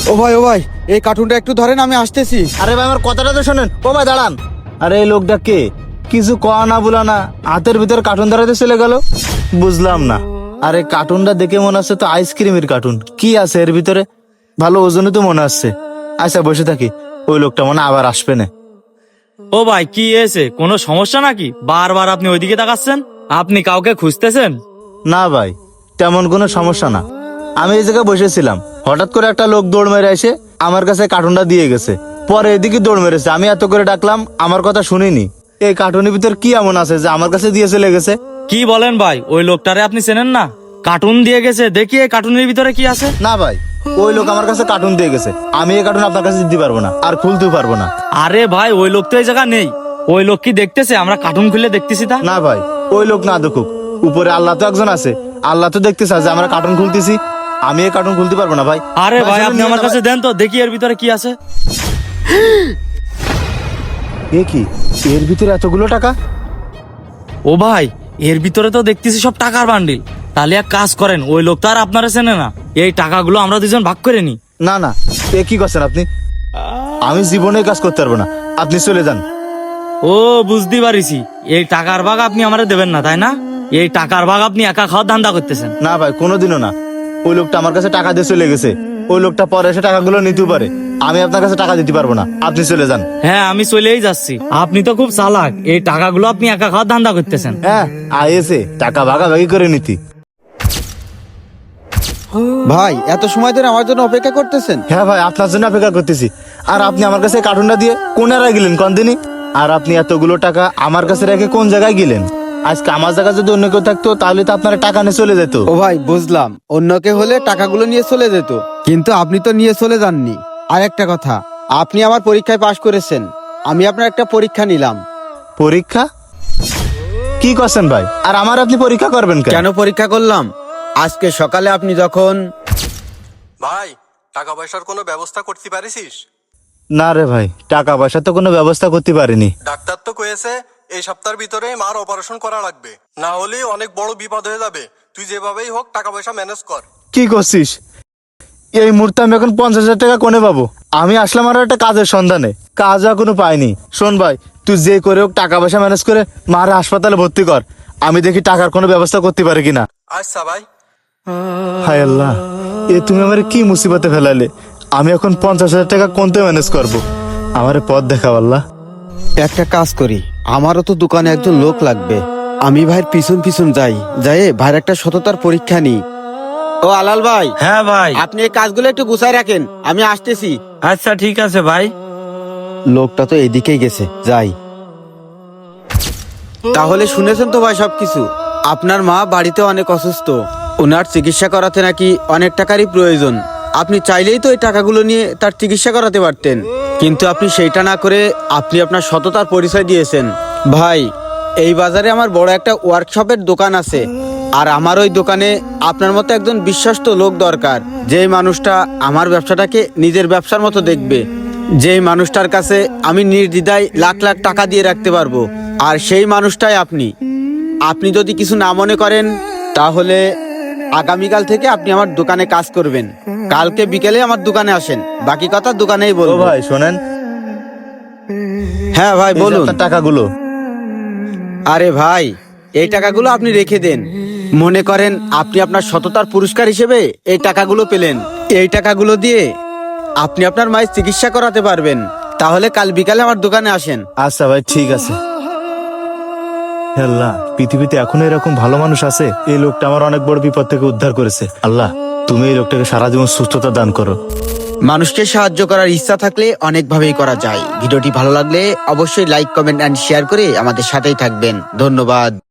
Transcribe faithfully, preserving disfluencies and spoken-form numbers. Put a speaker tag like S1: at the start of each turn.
S1: ও ভাই ও ভাই এই কার্টুনটা একটু ধরেন, আমি আসতেছি।
S2: আরে ভাই আমার কথাটা তো শোনেন। ও ভাই দাঁড়ান। আরে এই লোকটা কে? কিছু কয়া না বলা না হাতের ভিতর কার্টুন ধরাতে চলে গেল, বুঝলাম না। আরে কার্টুনটা দেখে মনে হচ্ছে তো আইসক্রিমের কার্টুন। কি আছে এর ভিতরে? ভালো ওজনই তো মনে হচ্ছে। আচ্ছা বসে থাকি, ওই লোকটা মনে হয় আবার আসবে না।
S3: ও ভাই কি হয়েছে, কোনো সমস্যা নাকি? বারবার আপনি ওইদিকে তাকাচ্ছেন, আপনি কাউকে খুঁজতেছেন?
S2: না ভাই, তেমন কোনো সমস্যা না। আমি এই জায়গায় বসেছিলাম, হঠাৎ করে একটা লোক দৌড় মেরে এসে আমার কাছে কার্টুনটা দিয়ে গেছে। পরে এদিকে দৌড় মেরেছে, আমি এত করে ডাকলাম, আমার কথা শুনিনি। এই কার্টুনের ভিতর কি এমন আছে যে আমার কাছে দিয়ে চলে গেছে?
S3: কি বলেন ভাই, ওই লোকটারে আপনি চেনেন না? কার্টুন দিয়ে গেছে, দেখি এই কার্টুনের ভিতরে কি আছে।
S2: না ভাই, ওই লোক আমার কাছে কার্টুন দিয়ে গেছে, আমি এই কার্টুন আপনার কাছে দিতে পারবো না, আর খুলতেও পারবো না।
S3: আরে ভাই ওই লোক তো এই জায়গা নেই। ওই লোক কি দেখতেছে আমরা কার্টুন খুলে দেখতেছি তা?
S2: না ভাই, ওই লোক না দেখুক, উপরে আল্লাহ তো একজন আছে, আল্লাহ তো দেখতেছে যে আমরা কার্টুন খুলতেছি। আমি এই কার্টুন খুলতে পারবো না ভাই।
S3: আরে ভাই
S2: শুনুন
S3: আপনি
S2: না
S3: আমার
S2: ভাই।
S3: কাছে দেন তো দেখি এর ভিতরে কি আছে।
S2: এ কি, এর ভিতরে এতগুলো টাকা?
S3: ও ভাই এর ভিতরে তো দেখতেছি সব টাকার বান্ডিল। তাহলে এক কাজ করেন, ওই লোকটা আর আপনারা চেনে না, এই টাকাগুলো আমরা দুজন ভাগ করে নি।
S2: না না, এ কি করছেন আপনি? আমি জীবনে কাজ করতে পারবো না, আপনি চলে যান।
S3: ও বুঝতে পারিছি, এই টাকার ভাগ আপনি আমারে দেবেন না তাই না? এই টাকার ভাগ আপনি একা খাওয়ার ধান্দা করতেছেন।
S2: না ভাই, কোনোদিনও না। ওই লোকটা আমার কাছে টাকা দিয়ে চলে গেছে, ওই লোকটা পরে এসে টাকাগুলো নিতেও পারে। আমি আপনার কাছে টাকা দিতে পারবো না, আপনি চলে যান।
S3: হ্যাঁ আমি চলেই যাচ্ছি, আপনি তো খুব চালাক, এই টাকাগুলো আপনি একা খাওয়ার ধান্দা করতেছেন।
S2: হ্যাঁ, আইএসে টাকা ভাগাভাগি করে নিতি।
S1: ভাই এত সময় ধরে আমার জন্য অপেক্ষা করতেছেন?
S2: হ্যাঁ ভাই, আপনার জন্য অপেক্ষা করতেছি। আর আপনি আমার কাছে কার্টুনটা দিয়ে কোন এলাকায় গেলেন কোন দিনই? আর আপনি এতগুলো টাকা আমার কাছে রেখে কোন জায়গায় গেলেন? আজকে আমার জায়গায় যদি অন্য কেউ থাকতো তাহলে তো আপনার টাকা নিয়ে চলে যেত।
S1: ও ভাই বুঝলাম, অন্য কে হলে টাকাগুলো নিয়ে চলে যেত, কিন্তু আপনি তো নিয়ে চলে যাননি। আর একটা কথা, আপনি আমার পরীক্ষায় পাশ করেছেন, আমি আপনার একটা পরীক্ষা নিলাম।
S2: পরীক্ষা? কি করছেন ভাই? আর আমার আপনি পরীক্ষা করবেন কেন?
S1: কেন পরীক্ষা করলাম? আজকে সকালে আপনি যখন
S4: ভাই টাকা পয়সার কোনো ব্যবস্থা করতে পারিস?
S2: না রে ভাই, টাকা পয়সা তো কোনো ব্যবস্থা করতে পারিনি।
S4: ডাক্তার তো কয়েছে এই সপ্তাহের ভিতরে মার অপারেশন করা লাগবে, না হলে অনেক বড় বিপদ হয়ে যাবে। তুই যেভাবেই হোক টাকা পয়সা ম্যানেজ কর।
S2: কি করছিস? এই মুহূর্তে আমি এখন পঞ্চাশ হাজার টাকা কোনে পাবো? আমি আসলাম আরো একটা কাজের সন্ধানে, কাজ এখনো পাইনি। শোন ভাই, তুই যে করে হোক টাকা পয়সা ম্যানেজ করে মারে হাসপাতালে ভর্তি কর, আমি দেখি টাকার কোনো ব্যবস্থা করতে পারি কিনা।
S4: আচ্ছা ভাই।
S2: হায় আল্লাহ, এ তুমি আমার কি মুসিবতে ফেলালে। আমি এখন পঞ্চাশ হাজার টাকা কোনতে ম্যানেজ করবো? আমারে পথ দেখাও আল্লাহ।
S1: একটা কাজ করি, আমারও তো দোকানে একজন লোক লাগবে, আমি ভাইয়ের পিছন পিছন যাই, যাই ভাইয়ের একটা সততার পরীক্ষা নিই। ও আলাল ভাই,
S3: হ্যাঁ ভাই।
S1: আপনি এই কাজগুলো একটু গুছাই রাখেন, আমি আসতেছি।
S3: আচ্ছা ঠিক আছে ভাই।
S1: লোকটা তো এদিকেই গেছে, যাই। তাহলে শুনেছেন তো ভাই সবকিছু? আপনার মা বাড়িতে অনেক অসুস্থ, ওনার চিকিৎসা করাতে নাকি অনেক টাকারই প্রয়োজন। আপনি চাইলেই তো এই টাকাগুলো নিয়ে তার চিকিৎসা করাতে পারতেন, কিন্তু আপনি সেইটা না করে আপনি আপনার সততার পরিচয় দিয়েছেন। ভাই এই বাজারে আমার বড় একটা ওয়ার্কশপের দোকান আছে, আর আমার ওই দোকানে আপনার মতো একজন বিশ্বস্ত লোক দরকার, যেই মানুষটা আমার ব্যবসাটাকে নিজের ব্যবসার মতো দেখবে, যেই মানুষটার কাছে আমি নির্দ্বিধায় লাখ লাখ টাকা দিয়ে রাখতে পারবো। আর সেই মানুষটাই আপনি। আপনি যদি কিছু না মনে করেন তাহলে আগামীকাল থেকে আপনি আমার দোকানে কাজ করবেন। কালকে বিকেলে আমার দোকানে আসেন, বাকি কথা দোকানেই
S2: ও
S1: বলবো।
S2: ভাই শোনেন,
S1: হ্যাঁ ভাই
S2: এই যে
S1: বলুন।
S2: আপনার টাকাগুলো।
S1: আরে ভাই এই টাকাগুলো আপনি রেখে দেন, মনে করেন আপনি আপনার সততার পুরস্কার হিসেবে এই টাকাগুলো পেলেন। এই টাকাগুলো দিয়ে আপনি আপনার মায়ের চিকিৎসা করাতে পারবেন। তাহলে কাল বিকালে আমার দোকানে আসেন।
S2: আচ্ছা ভাই ঠিক আছে। হে আল্লাহ, পৃথিবীতে এখনো এরকম ভালো মানুষ আছে? এই লোকটা আমার অনেক বড় বিপদ থেকে উদ্ধার করেছে। আল্লাহ তুমি এই লোকটাকে সারা জীবন সুস্থতা দান করো।
S1: মানুষকে সাহায্য করার ইচ্ছা থাকলে অনেকভাবেই করা যায়। ভিডিওটি ভালো লাগলে অবশ্যই লাইক, কমেন্ট এন্ড শেয়ার করে আমাদের সাথেই থাকবেন। ধন্যবাদ।